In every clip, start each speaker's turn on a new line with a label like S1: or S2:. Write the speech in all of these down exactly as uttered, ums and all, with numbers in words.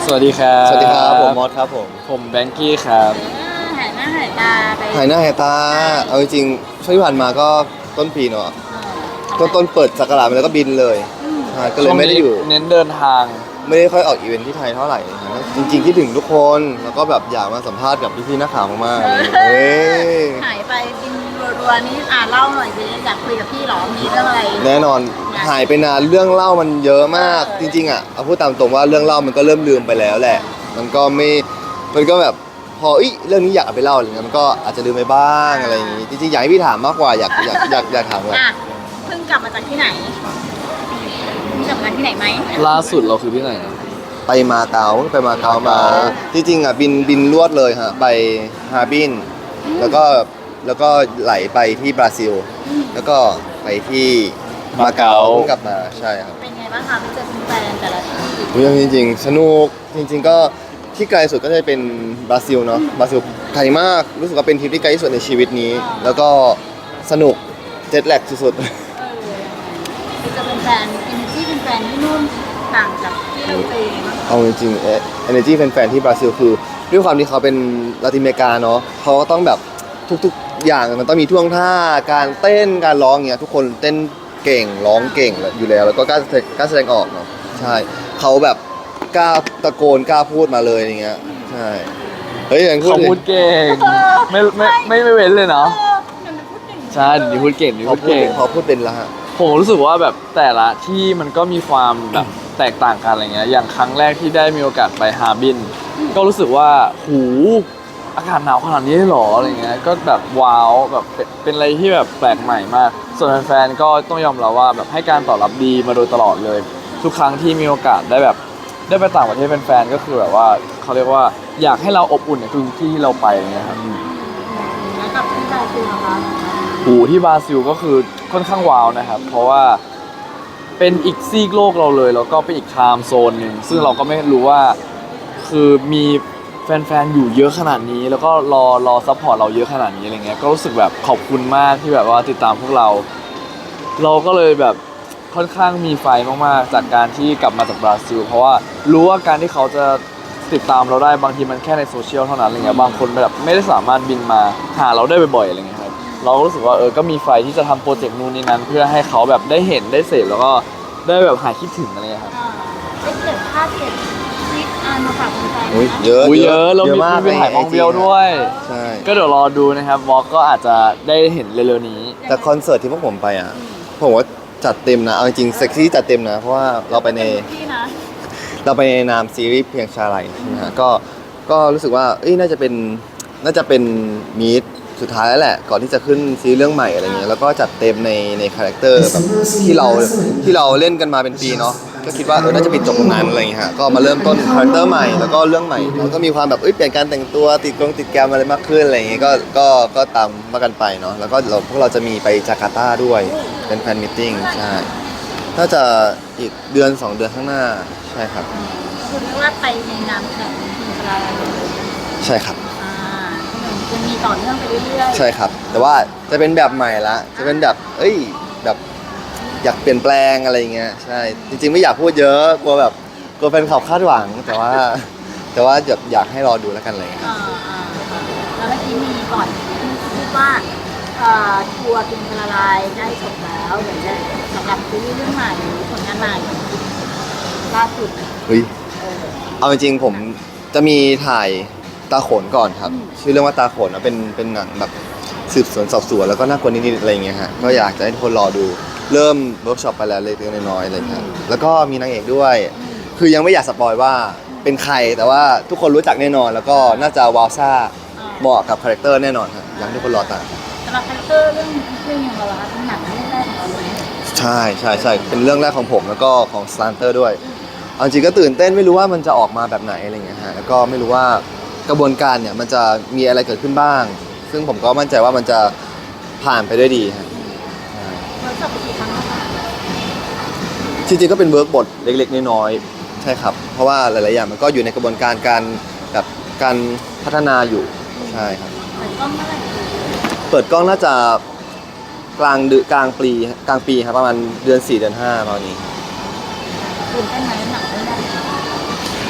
S1: วัสดีครับ
S2: สวัสดีครับผมมอสครับผม
S1: ผมแบงกี้ครับ
S3: หายหน้าหายตาไป
S2: หายหน้าหายตาเอาจริงๆช่วงที่ผ่านมาก็ต้นปีเนาะต้นต้นเปิดสักราชมาแล้วก็บินเลยใช่ก็เลยไม่ได้อยู่
S1: เน้นเดินทาง
S2: ไม่ได้ค่อยออกอีเวนท์ที่ไทยเท่าไหร่นะจริงๆคิดถึงทุกคนแล้วก็แบบอยากมาสัมภาษณ์กับพี่ๆนักข่าวมากๆเลยเฮ้ย
S3: หายไปบินรัวๆนี้อ่าเล่าหน่อยสิอยากคุยกับพี่หรอมีเรื่องอะไร
S2: แน่นอนหายไปนานเรื่องเล่ามันเยอะมากจริงๆอ่ะเอาพูดตามตรงว่าเรื่องเล่ามันก็เริ่มลืมไปแล้วแหละมันก็ไม่มันก็แบบพออีเรื่องนี้อยากเอาไปเล่าอะไรเงี้ยมันก็อาจจะลืมไปบ้างอะไรอย่างงี้จริงๆอยากให้พี่ถามมากกว่าอยากอยากอยากอยากถามว่า
S3: เพิ่งกลับมาจากที่ไหนกลับมาจากที่ไหนไหม
S1: ล่าสุดเราคือที่ไหนนะ
S2: ไปมาเก๊าไปมาเก๊ามาจริงๆอ่ะบินบินลวดเลยฮะไปฮาร์บินแล้วก็แล้วก็ไหลไปที่บราซิลแล้วก็ไปที่มาเก๊ากลับมาใช่ครับ
S3: เป็นไงบ้างคะไปเจอแฟนแต่ละที่
S2: เรื่องจริงๆสนุกจริงๆก็ที่ไกลสุดก็จะเป็นบราซิลเนาะบราซิลไกลมากรู้สึกว่าเป็นทริปที่ไกลที่สุดในชีวิตนี้แล้วก็สนุกเจ็ตแลกสุดๆ
S3: ไปเจอแฟนอินที่เป็นแฟนที่นู่นต่างจากที่เราไป
S2: เอาจริงๆเอเนจีแฟนๆที่บราซิลคือด้วยความที่เขาเป็นลาตินอเมริกาเนาะเขาก็ต้องแบบทุกๆอย่างมันต้องมีท่วงท่าการเต้นการร้องเงี้ยทุกคนเต้นเก่งร้องเก่งอยู่แล้วแล้วก็กล้ากล้าแสดงออกเนาะใช่เขาแบบกล้าตะโกนกล้าพูดมาเลยอย่างเงี้ยใช่เฮ้ยอย่าง
S1: เขาพูดเก่งไม่ไม่ไม่ไม่เว้นเลยเนาะใช่เดี๋ยวพูดเก่งเดี๋ยวพูดเก่ง
S2: พอพูดเป็นละฮะ
S1: ผมรู้สึกว่าแบบแต่ละที่มันก็มีความแบบแตกต่างกันอะไรเงี้ยอย่างครั้งแรกที่ได้มีโอกาสไปฮาร์บินก็รู้สึกว่าหูอากาศหนาวขนาดนี้หรออะไรเงี้ยก็แบบว้าวแบบเป็นอะไรที่แบบแปลกใหม่มากส่วนแฟนๆก็ต้องยอมรับว่าแบบให้การตอบรับดีมาโดยตลอดเลยทุกครั้งที่มีโอกาสได้แบบได้ไปต่างประเทศเป็นแฟนก็คือแบบว่าเขาเรียกว่าอยากให้เราอบอุ่นในทุกที่ที่เราไปอย่างเงี้ยครับ
S3: แล้วกับที่บราซิลนะคะ
S1: หูที่บราซิลก็คือค่อนข้างว้าวนะครับเพราะว่าเป็นอีกซีกโลกเราเลยแล้วก็เป็นอีกไทม์โซนหนึ่งซึ่งเราก็ไม่รู้ว่าคือมีแฟนๆอยู่เยอะขนาดนี้แล้วก็รอรอซัพพอร์ตเราเยอะขนาดนี้อะไรเงี้ยก็รู้สึกแบบขอบคุณมากที่แบบว่าติดตามพวกเราเราก็เลยแบบค่อนข้างมีไฟมากๆจากการที่กลับมาจากบราซิลเพราะว่ารู้ว่าการที่เขาจะติดตามเราได้บางทีมันแค่ในโซเชียลเท่านั้นอะไรเงี้ยบางคนแบบไม่ได้สามารถบินมาหาเราได้บ่อยๆอะไรเงี้ยครับเราก็รู้สึกว่าเออก็มีไฟที่จะทำโปรเจกต์นู่นนี่นั้นเพื่อให้เขาแบบได้เห็นได้เสพแล้วก็ได้แบบหายคิดถึงอะไรเงี้ยครับ
S3: เป็นเก็บภาพเก็บคลิปอ่านมาฝากแฟนๆ
S2: เยอะ
S1: เยอะเรามีไปถ่ายมองเดียวด้วย
S2: ใช่
S1: ก็เดี๋ยวรอดูนะครับวอล์กก็อาจจะได้เห็นเร็วๆนี้
S2: แต่คอนเสิร์ตที่พวกผมไปอ่ะผมว่าจัดเต็มนะเอาจริงเซ็กซี่จัดเต็มนะเพราะว่าเราไปในเราไปในนามซีรีส์เพียงชาไลใช่ไหมฮะก็ก็รู้สึกว่าเอ้ยน่าจะเป็นน่าจะเป็นมีดสุดท้ายแล้วแหละก่อนที่จะขึ้นซีรีส์เรื่องใหม่อะไรเงี้ยแล้วก็จัดเต็มในในคาแรคเตอร์แบบที่เราที่เราเล่นกันมาเป็นปีเนาะก็คิดว่าเออน่าจะปิดจบตรงนั้นอะไรเงี้ยฮะก็มาเริ่มต้นคาแรคเตอร์ใหม่แล้วก็เรื่องใหม่แล้วก็มีความแบบเอ้ยเปลี่ยนการแต่งตัวติดกรงติดแกรมอะไรมากขึ้นอะไรเงี้ยก็ก็ก็ตามมากันไปเนาะแล้วก็เราพวกเราจะมีไปจาการ์ตาด้วยเป็นแฟนมิทติ้งใช่น่าจะอีกเดือนสองเดือนข้างหน้าใช่ครับ
S3: คุณว่าไปในนามแบบทีมชาไล
S2: ใช่ครับ
S3: จะมีต่อเนื่องไปเรื่อย
S2: ๆใช่ครับแต่ว่าจะเป็นแบบใหม่ละจะเป็นแบบเอ้ยแบบอยากเปลี่ยนแปลงอะไรเงี้ยใช่จริงๆไม่อยากพูดเยอะกลัวแบบกลัวแฟนคลับคาดหวังแต่ว่าแต่ว่าอยากอยากให้รอดูแล้วกันเลย
S3: อ่าอ่าแล้วเมื่อกี้มีก่อนพูดว่าทัวร์กินละลายได้จบแล้วเดี๋ยวจะสำหรับซีรีส์เรื่องใหม่ผลงานใหม่ล่าสุด
S2: เฮ้ยเอาจริงๆผมจะมีถ่ายตาโขนก่อนครับชื่อเรื่องว่าตาโขนนะเป็นเป็นหนังแบบสืบสวนสอบสวนแล้วก็น่ากลัวนิดๆอะไรเงี้ยฮะก็อยากจะให้ทุกคนรอดูเริ่มเวิร์กช็อปไปแล้วเล็กๆน้อยๆอะไรเงี้ยแล้วก็มีนางเอกด้วยคือยังไม่อยากสปอยว่าเป็นใครแต่ว่าทุกคนรู้จักแน่นอนแล้วก็น่าจะวาวซ่าเหมาะกับคาแรคเตอร์แน่นอนครับอยากให้ทุกคนรอตาม
S3: สำหรับคาแรคเตอร์เรื่องเรื่องอย่างเราเป็นหนังเรื่องแรกของเราเลย
S2: ใช่ใช่ใช่เป็นเรื่องแรกของผมแล้วก็ของสตาร์เตอร์ด้วยเอาจริงก็ตื่นเต้นไม่รู้ว่ามันจะออกมาแบบไหนอะไรเงี้ยฮะแล้วก็ไม่รู้ว่ากระบวนการเนี่ยมันจะมีอะไรเกิดขึ้นบ้างซึ่งผมก็มั่นใจว่ามันจะผ่านไปด้วยดีครับ
S3: เวิร์กช็อปไปกี่ครั้งแล้วคะ
S2: จริงๆก็เป็นเวิร์กบทเล็กๆน้อยๆใช่ครับเพราะว่าหลายๆอย่างมันก็อยู่ในกระบวนการการแบบการพัฒนาอยู่ใช่ครับ
S3: เปิดกล้องเมื่อไหร่
S2: เปิดกล้องน่าจะกลางเดือนกลางปีกลางปีครับประมาณเดือนสี่เดือนห้าประมาณนี้
S3: ตื่นเต้นไหมหนังเรื่องแรก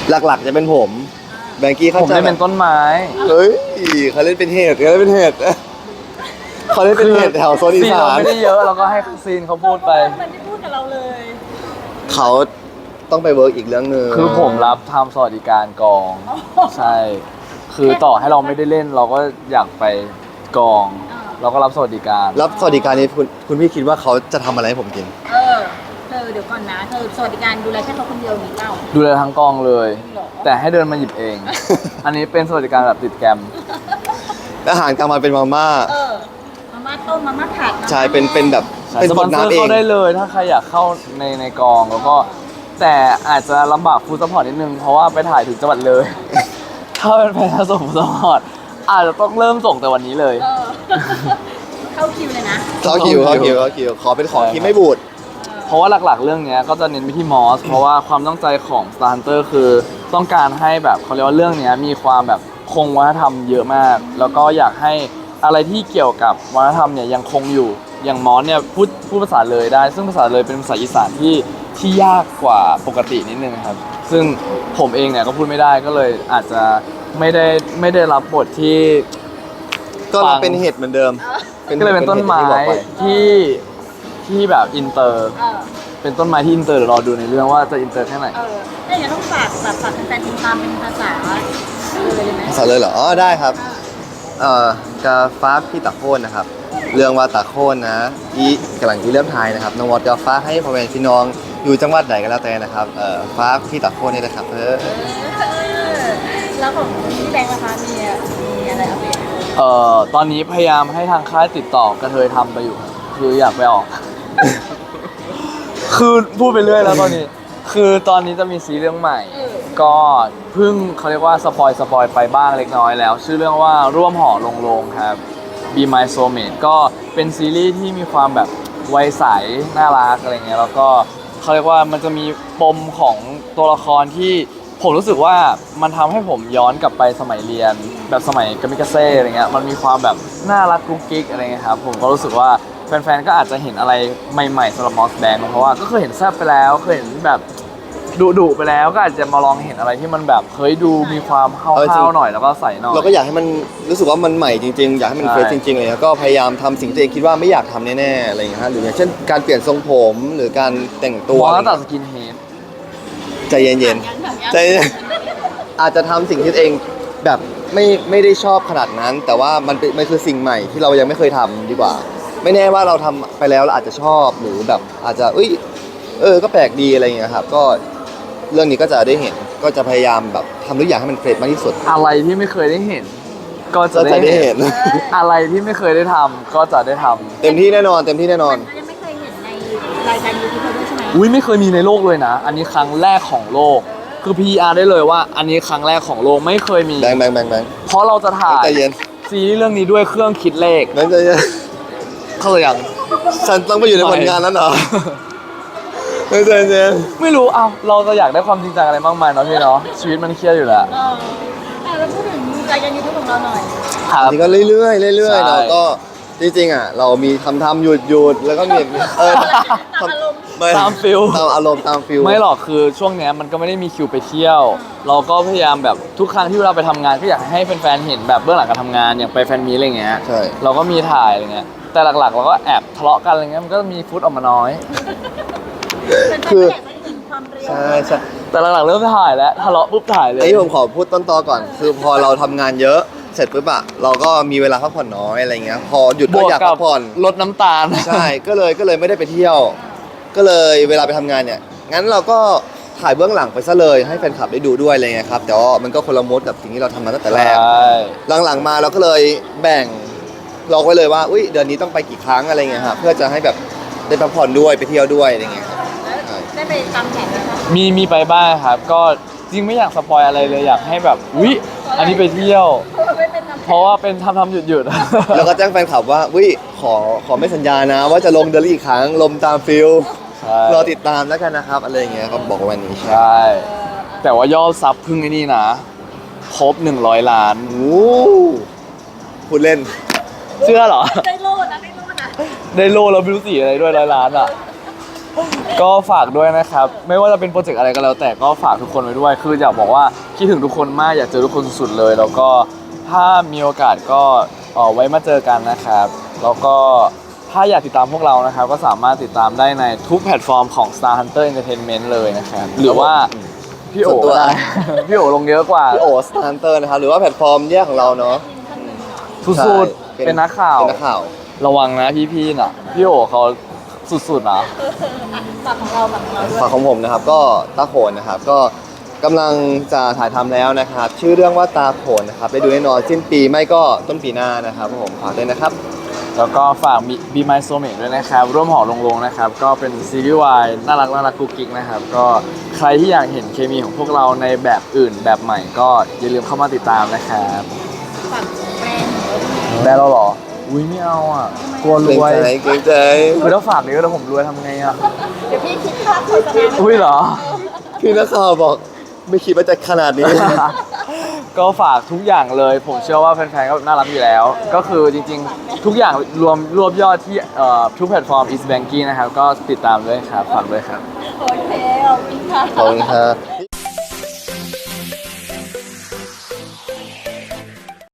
S2: หลักๆจะเป็นผมแบงกี้เขา
S1: ผม
S2: จะ
S1: ได้เป็นต้นไม้
S2: เฮ้ยเขาเล่นเป็นเห็ดเขาเล่นเป็นเห็ดเขาเล่นเป็นเห็ดแถวโซนอี
S1: ซีน
S2: สา
S1: เรา
S2: น
S1: ไม่ได้เยอะเราก็ให้ซีนเขาพูดไป
S3: มันไม่พูดกับเราเลย
S2: เขาต้องไปเวิร์กอีกเรื่องหนึง
S1: คือผมรับทำสวัสดิการกอง ใช่ คือต่อให้เราไม่ได้เล่นเราก็อยากไปกอง เราก็รับสวัสดิการ
S2: รับสวัสดิการนี้คุณคุณพี่คิดว่าเขาจะทำอะไรให้ผมกิน
S3: เออเธอเดี๋ยวก่อนนะเธอสวัสดิการดูแลแค่เขาคนเดียวหรือเปล่า
S1: ดูแลทั้งกองเลย
S3: หรอ
S1: แต่ให้เดินมาหยิบเอง อันนี้เป็นสวัสดิการแบบติดแกรม
S2: อาหารกลางวันเป็นมาม่า
S3: เออมาม่าต้มมาม่าผัดมาม่า
S2: ใช่เป็นเป็นแบบ เป็น
S1: ส
S2: ค
S1: ปอน
S2: น
S1: เซอร์
S2: น้ำเอ
S1: เข้าง ได้เลยถ้าใครอยากเข้าในในกองแล้วก็แต่อาจจะลำบากฟู้ดซัพพอร์ตนิดนึง เพราะว่าไปถ่ายถึงจังหวัดเลย ถ้าเป็นแฟนส่งฟู้ดซัพพอร์ตอาจจะต้องเริ่มส่งแต่วันนี้เลย
S3: เออ เข้าคิวเลยนะ
S2: เขาคิวเขาคิวเขาคิวขอเป็นของที่ไม่บูด
S1: เพราะว่าหลักๆ เรื่องเนี้ยก็จะเน้นไปที่มอส เพราะว่าความตั้งใจของ Star Hunter คือต้องการให้แบบเขาเรียกว่าเรื่องเนี้ยมีความแบบคงวัฒนธรรมเยอะมาก แล้วก็อยากให้อะไรที่เกี่ยวกับวัฒนธรรมเนี่ยยังคงอยู่ อย่างมอสเนี่ยพูดพูดภาษาเลยได้ ซึ่งภาษาเลยเป็นภาษาอีสานที่ที่ยากกว่าปกตินิดนึงครับ ซึ่งผมเองเนี่ยก็พูดไม่ได้ก็เลยอาจจะไม่ได้ไม่ได้รับบทที่
S2: ก็รับเป็นเห็ดเหมือนเดิม
S1: ก็เลยเป็นต้นไม้
S2: ห็ดที่บอกป
S1: ที่ที่แบบอินเตอร์
S3: เออ
S1: เป็นต้นไม้ที่อินเตอร์เดี๋ยวรอดูในเรื่องว่าจะอินเตอร์แค่ไหน
S3: เออถ้าอย่างนั้นต้องฝากแบบฝากแฟนๆติดตามเป็นภาษาเลยไหม
S2: ภาษาเลยเหรอ อ๋อ ได้ครับ เอ่อกาฟ้าพี่ตะโคนนะครับ เรื่องว่าตะโคนนะอีกำลังอีเริ่มทายนะครับ น้องวอดกาฟ้าให้พ่อแม่พี่น้องอยู่จังหวัดไหนก็แล้วแต่นะครับ เอ่อฟ้าพี่ตะโคนนี่นะครับเออ
S3: เออแล้วของพี่แบงค์นะคะมีมีอะไรอัปเดต
S1: เอ่อตอนนี้พยายามให้ทางค่ายติดต่อกระเทยทำไปอยู่ครับคืออยากไปออก คือพูดไปเรื่อยแล้วตอนนี้ คือตอนนี้จะมีซีรีส์เรื่องใหม่ ก็เพิ่งเขาเรียกว่าสปอยสปอยไปบ้างเล็กน้อยแล้ว ชื่อเรื่องว่าร่วมห่อลงโลงครับ Be My Soulmate ก็เป็นซีรีส์ที่มีความแบบวัยใสน่ารักอะไรเงี้ยแล้วก็เขาเรียกว่ามันจะมีปมของตัวละครที่ผมรู้สึกว่ามันทำให้ผมย้อนกลับไปสมัยเรียน แบบสมัยกามิกาเซ่อะไรเงี้ยมันมีความแบบน่ารักกุ๊กกิ๊กอะไรเงี้ยครับผมก็รู้สึกว่าแฟนๆก็อาจจะเห็นอะไรใหม่ๆสำหรับมอสแบงเพราะว่าก็เคยเห็นแซ่บไปแล้วเคยเห็นแบบดุดุๆไปแล้วก็อาจจะมาลองเห็นอะไรที่มันแบบเฮ้ยดูมีความเฮ
S2: เอาจริ
S1: าง ๆหน่อยแล้วก็ใส่หน่อย
S2: เราก็อยากให้มันรู้สึกว่ามันใหม่จริงๆ อยากให้มัน
S1: ใช่
S2: เฟรชจริงๆเลยแล้วก็พยายามทำสิ่งที่ตัวเองคิดว่าไม่อยากทำแน่ๆอะไรอย่างเงี้ยฮะหรืออย่างเช่นการเปลี่ยนทรงผมหรือการแต่งตัว
S1: มอสตัดสกินเฮด
S2: ใจเย็นๆใจเย็นอาจจะทำสิ่งที่ตัวเองแบบไม่ไม่ได้ชอบขนาดนั้น แต่ว่ามันเป็นมันคือสิ่งใหม่ที่เรายังไม่เคยทำดีกว่า ไม่แน่ว่าเราทำไปแล้วเราอาจจะชอบหรือแบบอาจจะเอ้ยเออก็แปลกดีอะไรอย่างเงี้ยครับก็เรื่องนี้ก็จะได้เห็นก็จะพยายามแบบทำทุกอย่างให้มันเฟรชมากที่สุด
S1: อะไรที่ไม่เคยได้เห็น ก็จะ
S2: ก็จะได้
S1: ได้
S2: เห็
S1: เห็
S2: น
S1: น อะไรที่ไม่เคยได้ทำก็จะได้ทำ
S2: เต็มที่แน่นอนเต็มที่แน่นอน
S3: มันก็ยังไม่เคยเห็นในรายการยูทูบด้วยใช่ไหม
S1: อุ้ยไม่เคยมีในโลกเลยนะ อันนี้ครั้งแรกของโลก คือ พี อาร์ ได้เลยว่า อันนี้ครั้งแรกของโลกไม่เคยมี
S2: แบงค์แบงค์แบงค์แบงค์
S1: เพราะเราจะถ่าย
S2: ใจเย็น
S1: ซีรีส์เรื่องนี้ด้วยเครื่องคิดเลข
S2: แบงค์ใจเย็น
S1: เข้าใจยัง
S2: ฉันต้องไปอยู่ในผลงานนั้นเหรอแบงค์ใจเย็น
S1: ไม่รู้เอาเราจะอยากได้ความจริงจังอะไรมากมายเนาะพี่เนาะชีวิตมันเครียดอยู่แล้ว
S3: เอออ่ะแล้วพูดถึงรายการยูทูบของเราหน่อย
S1: ครับ
S2: จริงก็เรื่อยๆเรื่อย
S1: ใช่
S2: ๆเราก็จริงๆอ่ะเรามีทำทำหยุดหยุดแล้วก็มีเออ
S3: ตามอารมณ์
S2: ไ
S1: ตามฟิล
S2: ตามอารมณ์ตามฟิล
S1: ไม่หรอกคือช่วงเนี้ยมันก็ไม่ได้มีคิวไปเที่ยว เราก็พยายามแบบทุกครั้งที่เราไปทำงานก็อยากให้แฟนๆเห็นแบบเบื้องหลังการทำงานอย่างไปแฟนมีตอะไรเงี้ย
S2: ใช่
S1: เราก็มีถ่ายอะไรเงี้ยแต่หลักๆเราก็แอบทะเลาะกันอะไรเงี้ยมันก็มีฟุตออกมาน้อย
S3: เป็นแฟนๆก็อยากจะเห็นความเรียว
S2: ใช่ใช่
S1: แต่หลักๆเริ่มถ่ายแล้วทะเลาะปุ๊บถ่ายเลย
S2: ไอ้ที่ผมขอพูดต้นตอก่อน คือพอเราทำงานเยอะเสร็จปุ๊บอะเราก็มีเวลาพักผ่อนน้อยอะไรเงี้ยพอหยุด
S1: บ
S2: ก็
S1: วก
S2: อยาก
S1: กั
S2: พั
S1: บ
S2: กผ่อน
S1: ลดน้ำตาล
S2: ใช่ก็เลยก็เลยไม่ได้ไปเที่ยว ก็เลยเวลาไปทำงานเนี่ยงั้นเราก็ถ่ายเบื้องหลังไปซะเลยให้แฟนคลับได้ดูด้วยอะไรเงี้ยครับแต่ว่ามันก็คนละมดกับสิ่งที่เราทำมาตั้งแต่แรก
S1: ใช่
S2: หลังๆมาเราก็เลยแบ่งล็อกไว้เลยว่าอุ้ยเดือนนี้ต้องไปกี่ครั้งอะไรเงี้ยครับเพื่อจะให้แบบได้พักผ่อนด้วยไปเที่ยวด้วยอะไรเงี้ยครับ
S3: แล้วได้ไปตามแผนไหมคะ
S1: มีมีไปบ้างครับ ก็จริงไม่อยากสปอยอะไรเลยอยากให้แบบวิอันนี้ไปเที่ยว
S3: ไม่เป็นตามแผน
S1: เพราะว่าเป็นทำทำหยุดหยุด
S2: แล้วก็แจ้งแฟนคลับว่าอุ้ยขอขอไม่สัญญานะว่าจะลงเดือนละอีกครั้งลมตามฟิล
S1: ใช่
S2: รอติดตามแล้วกันนะครับอะไรเงี้ยเขาบอกว่าวันนี้ใช่
S1: ใช่ แต่ว่ายอดซับเพึ่งไอ้นี่นะครบหนึ่งร้อยล้าน
S2: โอ้พูดเล่น
S1: เชื่อเหรอ
S3: ได้โลดนะได้โลดนะ
S1: ได้โลแล้วไม่รู้สีอะไรด้วยร้อยล้านอ่ะก็ฝากด้วยนะครับ ไม่ว่าจะเป็นโปรเจกต์อะไรก็แล้วแต่ก็ฝากทุกคนไว้ด้วย คืออยากบอกว่าคิดถึงทุกคนมากอยากเจอทุกคนสุดๆเลย แล้วก็ถ้ามีโอกาสก็เอ่อไว้มาเจอกันนะครับ แล้วก็ถ้าอยากติดตามพวกเรานะครับ ก็สามารถติดตามได้ในทุกแพลตฟอร์มของ Star Hunter Entertainment เลยนะครับ หรือว่าพี่โอ๋
S2: ส่วนตัว
S1: ก็ได้ พี่โอ๋ลงเยอะกว่า
S2: พี่โอสตาร์เตอร์นะครับหรือว่าแพลตฟอร์มแยกของเราเนาะ
S1: สุด
S2: ใช่
S1: ๆเป็นนักข่าว
S2: เป็นนักข่าว
S1: ระวังนะพี่ๆน่ะ พี่โอ๋เขาสุดๆนะ
S3: ฝากของเราฝากของเราด้วย
S2: ฝากของผมนะครับก็ตาโขนนะครับก็กำลังจะถ่ายทำแล้วนะครับ ชื่อเรื่องว่าตาโขนนะครับไปดูแน่นอนสิ้นปีไม่ก็ต้นปีหน้านะครับผมฝากด้วยนะครับ
S1: แล้วก็ฝาก Be My Soulmate ด้วยนะครับ ร่วมหอลงลงนะครับ ก็เป็นซีรีส์วายน่ารักน่ารักกุ๊กกิ๊กนะครับ ก็ใครที่อยากเห็นเคมีของพวกเราในแบบอื่นแบบใหม่ก็อย่าลืมเข้ามาติดตามนะครับ
S3: ฝากแบรนด์
S1: แบรนด์เราเหรอ อุ้ยไม่เอาอ่ะ กลัวร
S2: เกรง
S1: วย
S2: ใจเกรงใจ
S1: คือถ้าฝากนี้ก็แล้วผมรวยทำไงอ่ะ
S3: เดี๋ยวพี่คิดค่าโฆษณา
S1: อุ้ยเหรอ
S2: พี่นักข่าวบอกไม่คิดว่าจะขนาดนี้
S1: ก็ฝากทุกอย่างเลย ผมเชื่อว่าแฟนๆก็น่ารักอยู่แล้ว ก็คือจริงๆ ทุกอย่างรวมรวบยอดที่เอ่อทุกแพลตฟอร์ม East Banking นะครับ ก็ติดตามด้วยครับ ฝากด้วยครับ
S3: โอเคขอบคุณค่ะ
S2: ขอบคุณครับ